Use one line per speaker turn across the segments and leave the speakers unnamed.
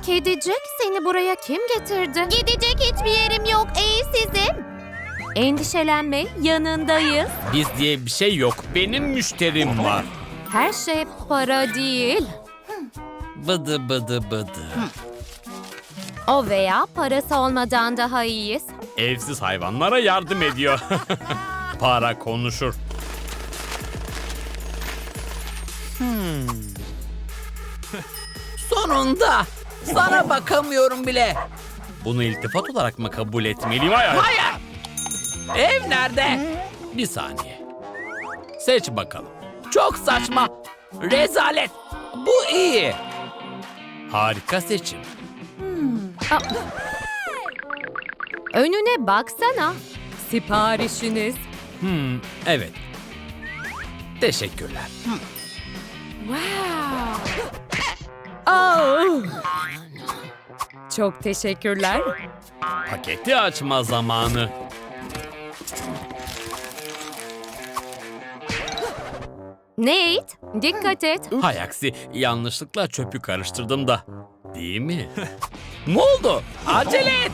Kedicik, seni buraya kim getirdi? Gidecek hiçbir yerim yok, evsizim. Endişelenme, yanındayız.
Biz diye bir şey yok. Benim müşterim var.
Her şey para değil.
Bıdı bıdı bıdı.
O veya parası olmadan daha iyiyiz.
Evsiz hayvanlara yardım ediyor. Para konuşur.
Sonunda. Sana bakamıyorum bile.
Bunu iltifat olarak mı kabul etmeliyim? Hayır.
Hayır. Ev nerede?
Bir saniye. Seç bakalım.
Çok saçma. Rezalet. Bu iyi.
Harika seçim.
Önüne baksana. Siparişiniz.
Evet. Teşekkürler.
Oh. Çok teşekkürler.
Paketi açma zamanı.
Nate, dikkat et.
Hay aksi, yanlışlıkla çöpü karıştırdım da. Değil mi?
Ne oldu? Acele et.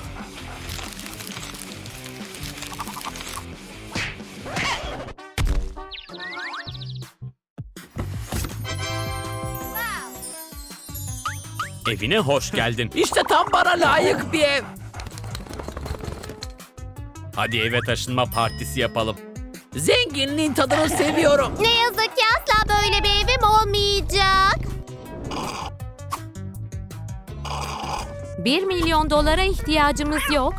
Evine hoş geldin.
İşte tam bana layık bir ev.
Hadi eve taşınma partisi yapalım.
Zenginliğin tadını seviyorum.
Ne yazık ki asla böyle bir evim olmayacak. 1 milyon dolara ihtiyacımız yok.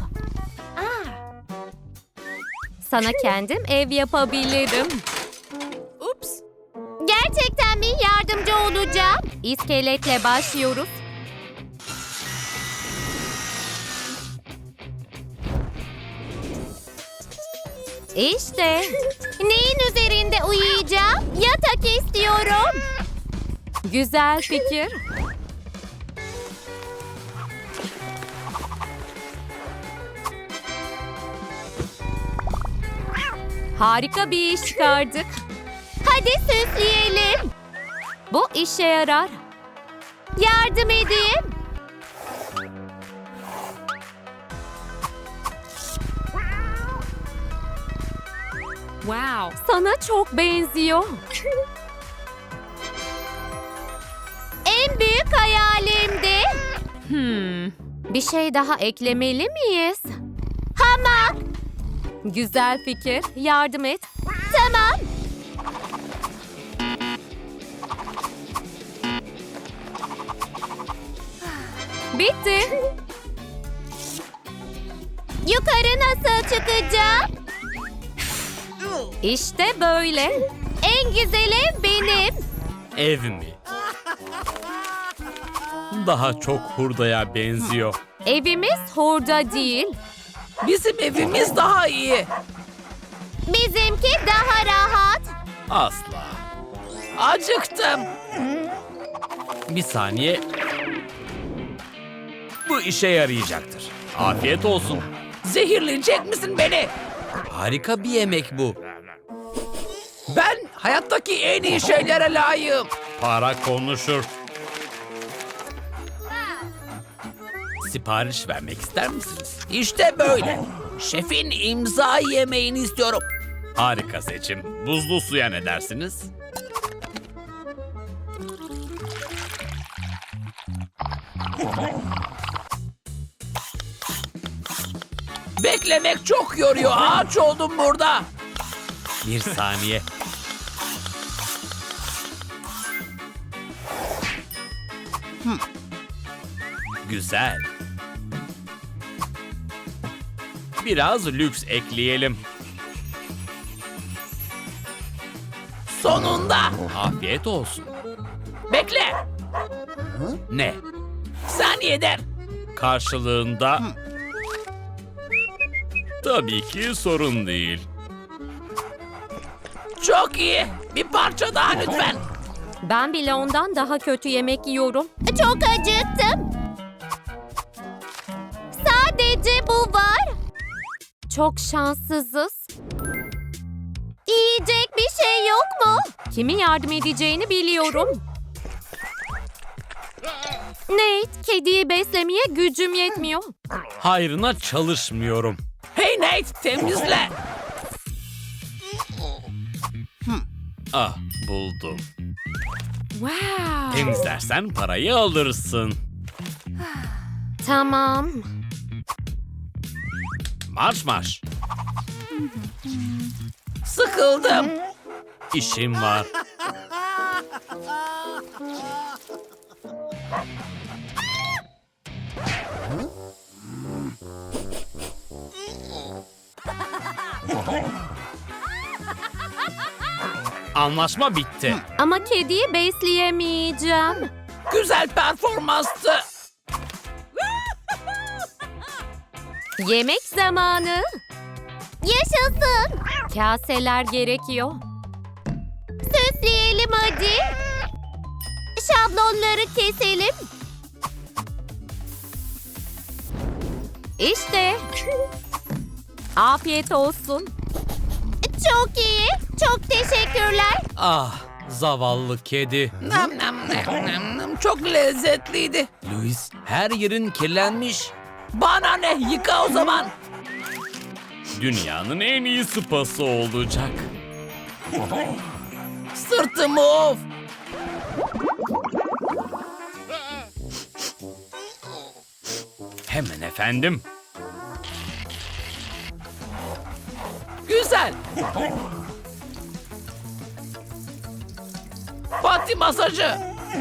Sana kendim ev yapabilirim. Ups. Gerçekten mi yardımcı olacağım? İskeletle başlıyoruz. İşte. Neyin üzerinde uyuyacağım? Yatak istiyorum. Güzel fikir. Harika bir iş çıkardık. Hadi süsleyelim. Bu işe yarar. Yardım edeyim. Wow. Sana çok benziyor. En büyük hayalimdi. Bir şey daha eklemeli miyiz? Hamak. Güzel fikir. Yardım et. Tamam. Bitti. Yukarı nasıl çıkacağım? İşte böyle. En güzel ev benim.
Ev mi? Daha çok hurdaya benziyor.
Evimiz hurda değil.
Bizim evimiz daha iyi.
Bizimki daha rahat.
Asla.
Acıktım.
Bir saniye. Bu işe yarayacaktır. Afiyet olsun.
Zehirleyecek misin beni?
Harika bir yemek bu.
Ben hayattaki en iyi şeylere layığım.
Para konuşur. Sipariş vermek ister misiniz?
İşte böyle. Şefin imza yemeğini istiyorum.
Harika seçim. Buzlu suya ne dersiniz?
Beklemek çok yoruyor. Ağaç oldum burada.
Bir saniye. Güzel. Biraz lüks ekleyelim.
Sonunda.
Afiyet olsun.
Bekle.
Ne?
Saniyeden.
Karşılığında... Tabii ki sorun değil.
Çok iyi. Bir parça daha lütfen.
Ben bile ondan daha kötü yemek yiyorum. Çok acıktım. Sadece bu var. Çok şanssızız. Yiyecek bir şey yok mu? Kimin yardım edeceğini biliyorum. Nate, kediyi beslemeye gücüm yetmiyor.
Hayrına çalışmıyorum.
Hey Nate, temizle.
Ah, buldum.
Wow.
Temizlersen parayı alırsın.
Tamam.
Marş marş.
Sıkıldım.
İşim var. Anlaşma bitti.
Ama kediyi besleyemeyeceğim.
Güzel performanstı.
Yemek zamanı. Yaşasın. Kaseler gerekiyor. Süsleyelim hadi. Şablonları keselim. İşte. Afiyet olsun. Çok iyi. Çok teşekkürler.
Ah, zavallı kedi.
Nam nam nam nam nam. Çok lezzetliydi.
Louis, her yerin kirlenmiş.
Bana ne? Yıka o zaman.
Dünyanın en iyi spası olacak.
Sırtımı of.
Hemen efendim.
Güzel. Pati masajı.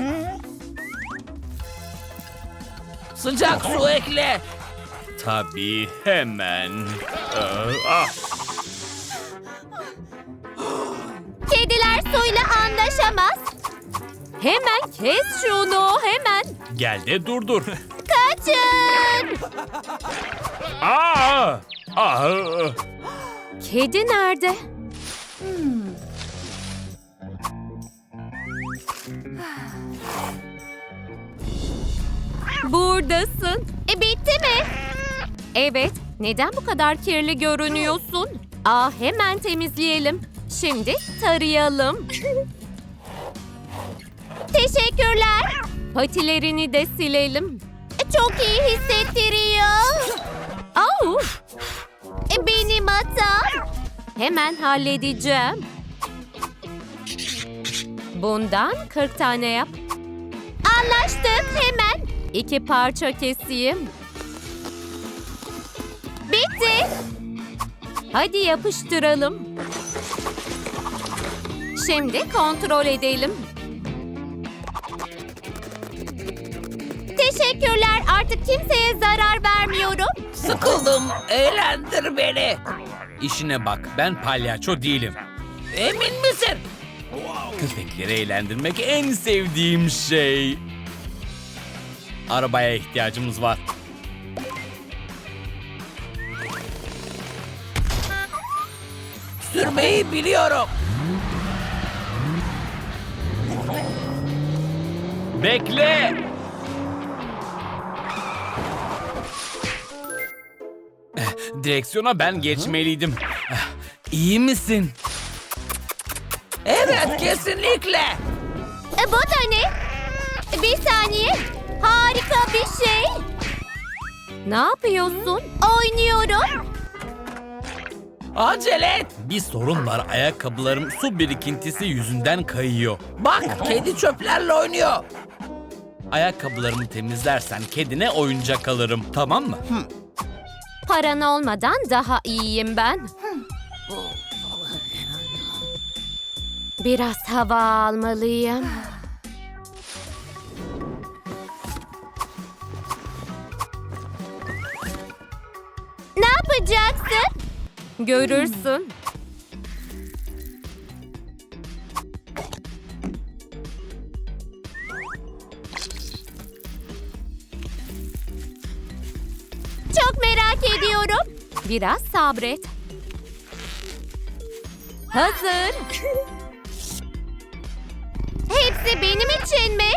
Sıcak su ekle.
Tabii, hemen. Ah,
Kediler suyla anlaşamaz. Hemen kes şunu, hemen.
gel de durdur.
Kaçın.
Aa! Ah!
Kedi nerede? Buradasın. Bitti mi? Evet. Neden bu kadar kirli görünüyorsun? Hemen temizleyelim. Şimdi tarayalım. Teşekkürler. Patilerini de silelim. Çok iyi hissettiriyor. Benim hatam. Hemen halledeceğim. Bundan 40 tane yap. Anlaştık, hemen. 2 parça keseyim. Bitti. Hadi yapıştıralım. Şimdi kontrol edelim. Teşekkürler. Artık kimseye zarar vermiyorum.
Sıkıldım. Eğlendir beni.
İşine bak, ben palyaço değilim.
Emin misin?
Köpekleri eğlendirmek en sevdiğim şey. Arabaya ihtiyacımız var.
Sürmeyi biliyorum.
Bekle! Direksiyona ben geçmeliydim. İyi misin?
Evet, kesinlikle.
Bu da ne? Bir saniye. Harika bir şey. Ne yapıyorsun? Oynuyorum.
Acele et.
Bir sorun var, ayakkabılarım su birikintisi yüzünden kayıyor.
Bak, kedi çöplerle oynuyor.
Ayakkabılarımı temizlersen kedine oyuncak alırım, tamam mı?
Paran olmadan daha iyiyim ben. Biraz hava almalıyım. Ne yapacaksın? Görürsün. Çok merak ediyorum. Biraz sabret. Hazır. Hepsi benim için mi?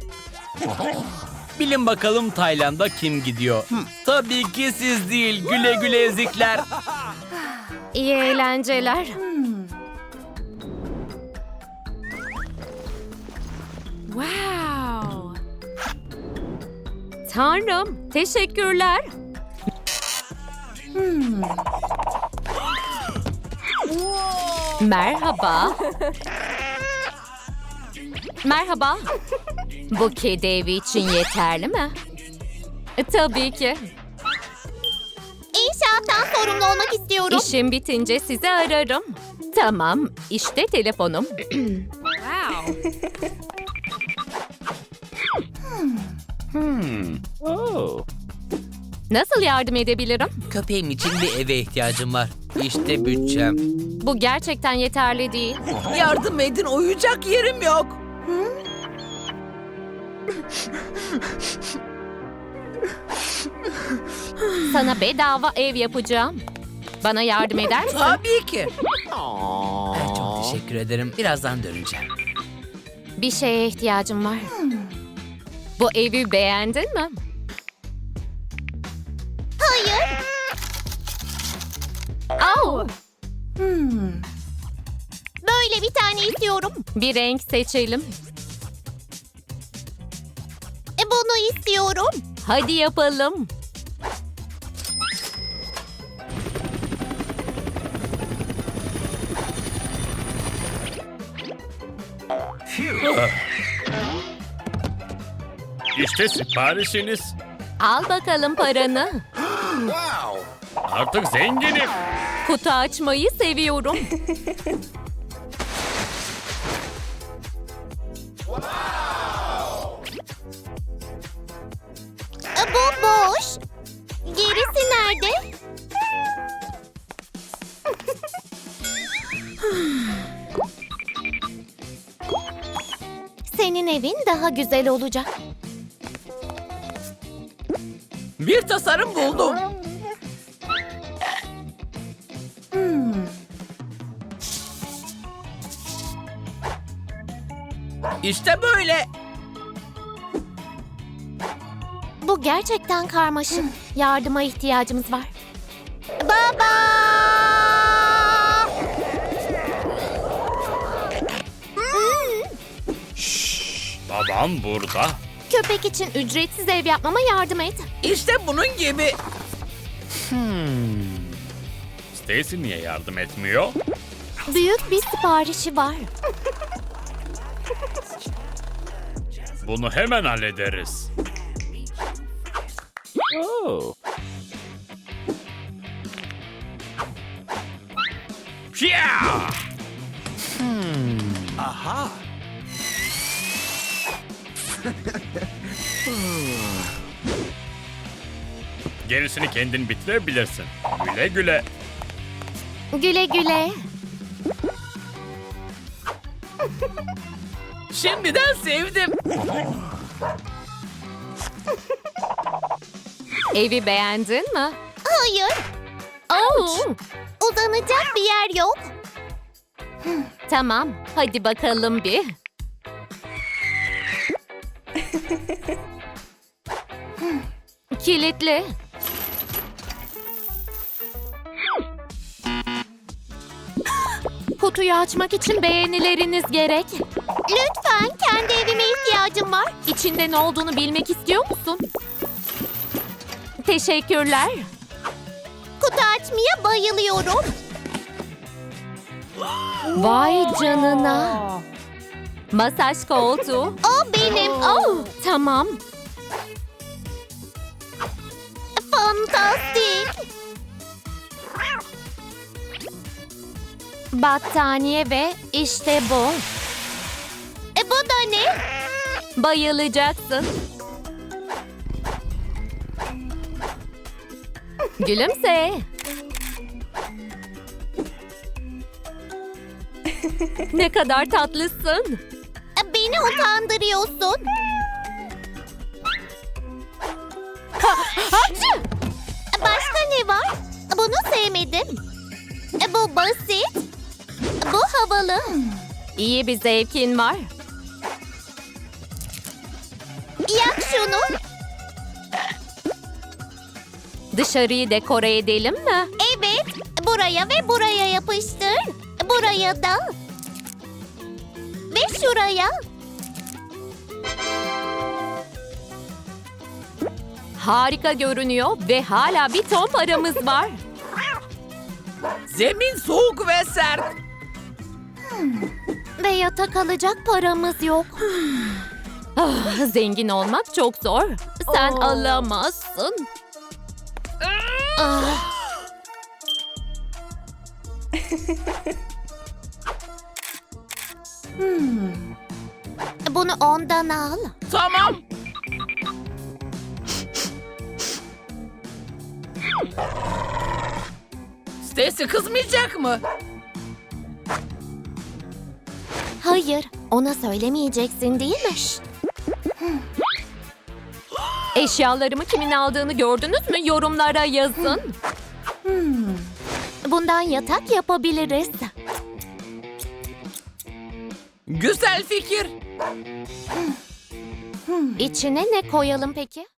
Bilin bakalım Tayland'a kim gidiyor? Tabii ki siz değil, güle güle ezikler.
İyi eğlenceler. Wow. Tanrım, teşekkürler. Merhaba. Merhaba. Bu kedi evi için yeterli mi? Tabii ki.
İnşaattan sorumlu olmak istiyorum.
İşim bitince sizi ararım. Tamam, işte telefonum. Nasıl yardım edebilirim?
Köpeğim için bir eve ihtiyacım var. İşte bütçem.
Bu gerçekten yeterli değil.
Yardım edin, uyuyacak yerim yok.
Sana bedava ev yapacağım. Bana yardım eder misin?
Tabii ki. Çok teşekkür ederim. Birazdan döneceğim.
Bir şeye ihtiyacım var. Bu evi beğendin mi?
Hayır.
Au!
Böyle bir tane istiyorum.
Bir renk seçelim.
Bunu istiyorum.
Hadi yapalım.
İşte siparişiniz.
Al bakalım paranı.
Artık zenginim.
Kutu açmayı seviyorum.
Bu boş. Gerisi nerede? Senin evin daha güzel olacak.
Bir tasarım buldum. İşte böyle.
Bu gerçekten karmaşık. Yardıma ihtiyacımız var. Baba!
Babam burada.
Köpek için ücretsiz ev yapmama yardım et.
İşte bunun gibi.
Stacy niye yardım etmiyor?
Büyük bir siparişi var.
Bunu hemen hallederiz. Pia! Gerisini kendin bitirebilirsin. Güle güle.
Güle güle.
Şimdiden sevdim.
Evi beğendin mi?
Hayır.
Oh!
Uzanacak bir yer yok.
Tamam, hadi bakalım bir. Kilitli. Kutuyu açmak için beğenileriniz gerek.
Lütfen, kendi evime ihtiyacım var.
İçinde ne olduğunu bilmek istiyor musun? Teşekkürler.
Kutu açmaya bayılıyorum.
Vay canına. Masaj koltuğu.
O benim. Oh,
Tamam.
fantastik.
Battaniye ve işte bu.
Bu da ne?
Bayılacaksın. Gülümse. Ne kadar tatlısın.
Beni utandırıyorsun. Başka ne var? Bunu sevmedim. Bu basit. Bu havalı.
İyi bir zevkin var.
Yak şunu.
Dışarıyı dekore edelim mi?
Evet. Buraya ve buraya yapıştır. Buraya da. Ve şuraya.
harika görünüyor ve hala bir ton paramız var.
Zemin soğuk ve sert.
Ve yatak alacak paramız yok.
Zengin olmak çok zor. Sen alamazsın.
Bunu ondan al.
Tamam. Stacy kızmayacak mı?
Hayır, ona söylemeyeceksin değil mi? Şşt.
Eşyalarımı kimin aldığını gördünüz mü? Yorumlara yazın.
Bundan yatak yapabiliriz.
Güzel fikir.
İçine ne koyalım peki?